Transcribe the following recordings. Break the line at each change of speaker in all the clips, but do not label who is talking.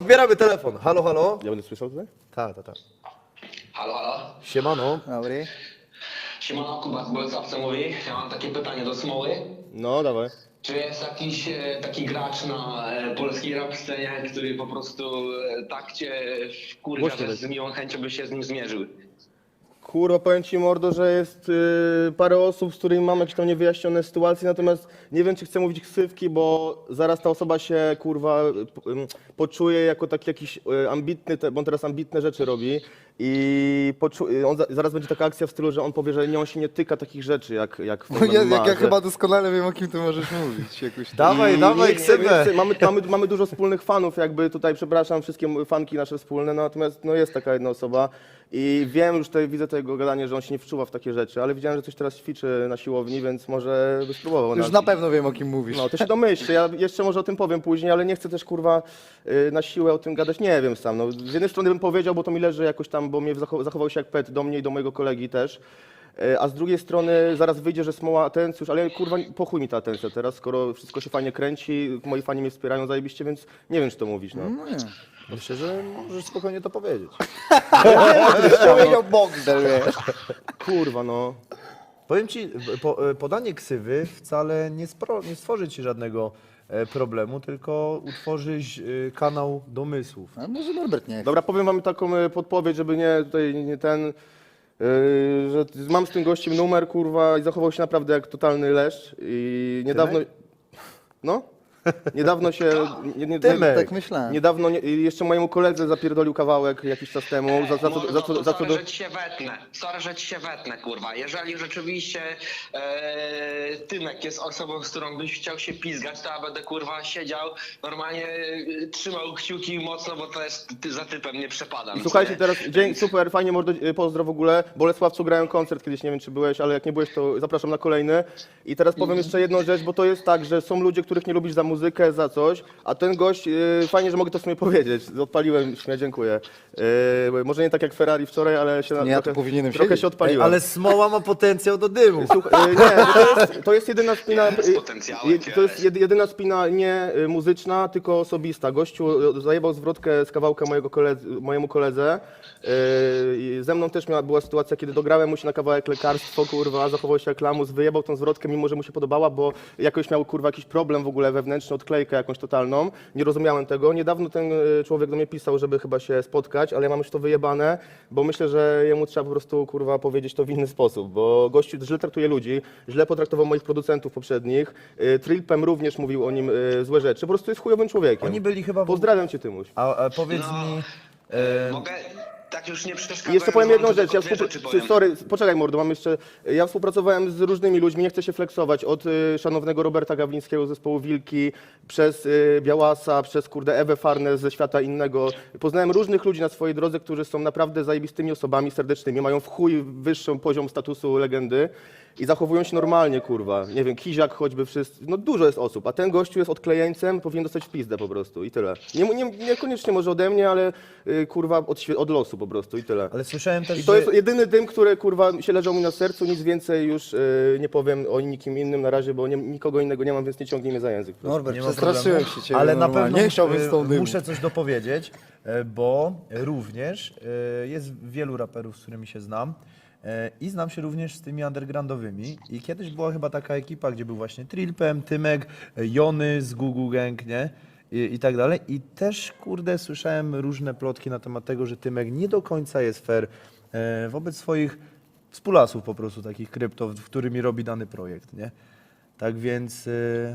odbieramy telefon. Halo, halo?
Ja będę słyszał tutaj?
Tak.
Halo, halo.
Siemano.
Dobry.
Siemano, Kuba z Bolesławca mówi. Ja mam takie pytanie do Smoły.
No, dawaj.
Czy jest jakiś taki gracz na polskiej rap scenie, który po prostu tak cię wkurwia,
Głośno
że
weź.
z miłą chęcią by się z nim zmierzył?
Kurwa, powiem ci, mordo, że jest parę osób, z którymi mam jakieś tam niewyjaśnione sytuacje, natomiast nie wiem, czy chcę mówić ksywki, bo zaraz ta osoba się, kurwa, poczuje jako taki jakiś ambitny, bo on teraz ambitne rzeczy robi i zaraz będzie taka akcja w stylu, że on powie, że nie, on się nie tyka takich rzeczy, jak w tym
Ja chyba doskonale wiem, o kim ty możesz mówić. Jakoś
Dawaj, dawaj, ksywę.
Mamy dużo wspólnych fanów, jakby tutaj, przepraszam, wszystkie fanki nasze wspólne, natomiast no, jest taka jedna osoba i wiem, już tutaj widzę tego gadania, że on się nie wczuwa w takie rzeczy, ale widziałem, że coś teraz ćwiczy na siłowni, więc może by spróbował.
Już na pewno wiem, o kim mówisz.
No, to się domyślę, ja jeszcze może o tym powiem później, ale nie chcę też, kurwa, na siłę o tym gadać, nie wiem sam. No, z jednej strony bym powiedział, bo to mi leży jakoś tam, bo mnie zachował się jak pet do mnie i do mojego kolegi też. A z drugiej strony zaraz wyjdzie, że Smoła atencjusz, ale kurwa, po chuj mi ta atencja teraz, skoro wszystko się fajnie kręci, moi fani mnie wspierają zajebiście, więc nie wiem, czy to mówić, no.
No nie.
Myślę, że możesz spokojnie to powiedzieć.
Powiedział Bogdel, wiesz.
Kurwa, no.
Powiem ci, podanie ksywy wcale nie stworzy ci żadnego problemu, tylko utworzyć kanał domysłów.
A może Norbert nie chce.
Dobra, powiem wam taką podpowiedź, żeby nie ten, że mam z tym gościem numer, kurwa, i zachował się naprawdę jak totalny leszcz i niedawno... No? Niedawno się...
Tymek.
Tak myślałem.
Niedawno jeszcze mojemu koledze zapierdolił kawałek jakiś czas temu.
Sorry, że ci się wetnę. Sorry, że ci się wetnę, kurwa. Jeżeli rzeczywiście Tymek jest osobą, z którą byś chciał się pizgać, to ja będę, kurwa, siedział, normalnie trzymał kciuki mocno, bo to jest, za typem nie przepadam.
I słuchajcie, teraz dzień super, fajnie, mordo, pozdro w ogóle. Bolesławcu grałem koncert kiedyś, nie wiem czy byłeś, ale jak nie byłeś, to zapraszam na kolejny. I teraz powiem jeszcze jedną rzecz, bo to jest tak, że są ludzie, których nie lubisz za muzykę, za coś, a ten gość, fajnie, że mogę to w sumie powiedzieć, odpaliłem się, dziękuję. Może nie tak jak Ferrari wczoraj, ale się
Nie, ja tu powinienem
trochę
siedzieć.
się odpaliłem.
Ale Smoła ma potencjał do dymu.
Słuchaj, nie, bo to jest jedyna spina,
Z potencjałem,
to jest jedyna spina nie muzyczna, tylko osobista. Gościu zajebał zwrotkę z kawałka mojemu koledze. I ze mną też była sytuacja, kiedy dograłem mu się na kawałek lekarstwo, kurwa, zachował się jak lamus, wyjebał tą zwrotkę, mimo że mu się podobała, bo jakoś miał, kurwa, jakiś problem w ogóle wewnętrzny, odklejkę jakąś totalną. Nie rozumiałem tego. Niedawno ten człowiek do mnie pisał, żeby chyba się spotkać, ale ja mam już to wyjebane, bo myślę, że jemu trzeba po prostu, kurwa, powiedzieć to w inny sposób, bo gościu źle traktuje ludzi, źle potraktował moich producentów poprzednich. Trilpem również mówił o nim złe rzeczy. Po prostu jest chujowym człowiekiem.
Oni byli chyba...
Pozdrawiam cię, Tymuś.
A powiedz
No,
mi...
mogę... Tak już nie przeszkadzam.
I jeszcze powiem jedną rzecz,
powiem.
sorry, poczekaj mordo, mam jeszcze, ja współpracowałem z różnymi ludźmi, nie chcę się flexować, od szanownego Roberta Gawlińskiego z zespołu Wilki, przez Białasa, przez kurde Ewę Farnes ze świata innego. Poznałem różnych ludzi na swojej drodze, którzy są naprawdę zajebistymi osobami serdecznymi, mają w chuj wyższy poziom statusu legendy i zachowują się normalnie, kurwa. Nie wiem, Kiziak choćby, wszyscy, no dużo jest osób, a ten gościu jest odklejeńcem, powinien dostać w pizdę po prostu i tyle. Niekoniecznie może ode mnie, ale kurwa od losu po prostu i tyle.
Ale słyszałem też,
I to
że...
jest jedyny dym, który kurwa się leżał mi na sercu, nic więcej już nie powiem o nikim innym na razie, bo nikogo innego nie mam, więc nie ciągnij mnie za język.
Norbert,
Nie ma
przestraszyłem
problemu.
się ciebie.
Ale na
normalnie.
pewno
Nie chciałbym z tą dymu.
muszę coś dopowiedzieć, bo również jest wielu raperów, z którymi się znam i znam się również z tymi undergroundowymi i kiedyś była chyba taka ekipa, gdzie był właśnie Trilpem, Tymek, Jony z Gugu Gang, nie? I tak dalej. I też, kurde, słyszałem różne plotki na temat tego, że Tymek nie do końca jest fair wobec swoich współlasów po prostu, takich krypto, w którymi robi dany projekt, nie? Tak więc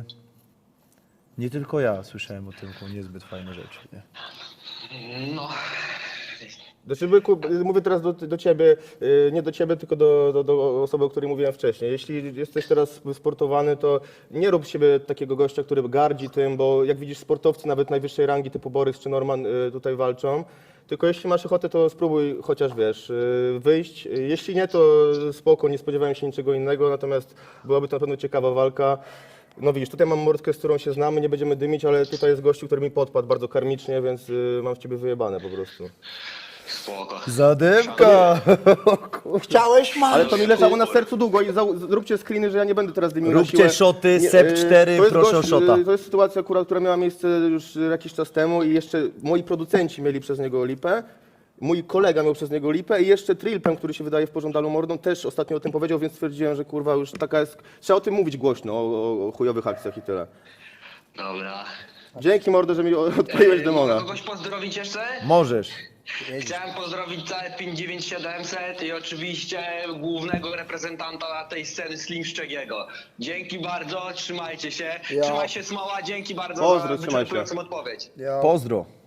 nie tylko ja słyszałem o Tymku niezbyt fajne rzeczy, nie?
No,
Znaczy, byku, mówię teraz do ciebie, nie do ciebie, tylko do osoby, o której mówiłem wcześniej. Jeśli jesteś teraz sportowany, to nie rób z siebie takiego gościa, który gardzi tym, bo jak widzisz, sportowcy nawet najwyższej rangi typu Borys czy Norman tutaj walczą. Tylko jeśli masz ochotę, to spróbuj chociaż, wiesz, wyjść. Jeśli nie, to spoko, nie spodziewałem się niczego innego, natomiast byłaby to na pewno ciekawa walka. No widzisz, tutaj mam mordkę, z którą się znamy, nie będziemy dymić, ale tutaj jest gościu, który mi podpadł bardzo karmicznie, więc mam w ciebie wyjebane po prostu.
Spoko.
Zadymka!
Chciałeś, mam.
Ale to mi leżało na sercu długo i zróbcie screeny, że ja nie będę teraz dymił na
Róbcie
siłę.
szoty,
Nie,
Sep 4,
to jest
proszę o szota.
To jest sytuacja akurat, która miała miejsce już jakiś czas temu i jeszcze moi producenci mieli przez niego lipę. Mój kolega miał przez niego lipę i jeszcze Trilpem, który się wydaje w pożądalu mordą, też ostatnio o tym powiedział, więc stwierdziłem, że kurwa już taka jest... Trzeba o tym mówić głośno, o chujowych akcjach i tyle.
Dobra.
Dzięki mordo, że mi odkleiłeś demona.
Mogę kogoś pozdrowić jeszcze?
Możesz.
Chciałem pozdrowić całe 59700 i oczywiście głównego reprezentanta tej sceny Slim Szczegiego. Dzięki bardzo, trzymajcie się.
Ja.
Trzymaj się Smoła, dzięki bardzo
Pozdro,
za
trzymaj się.
wyczerpującą odpowiedź.
Ja.
Pozdro.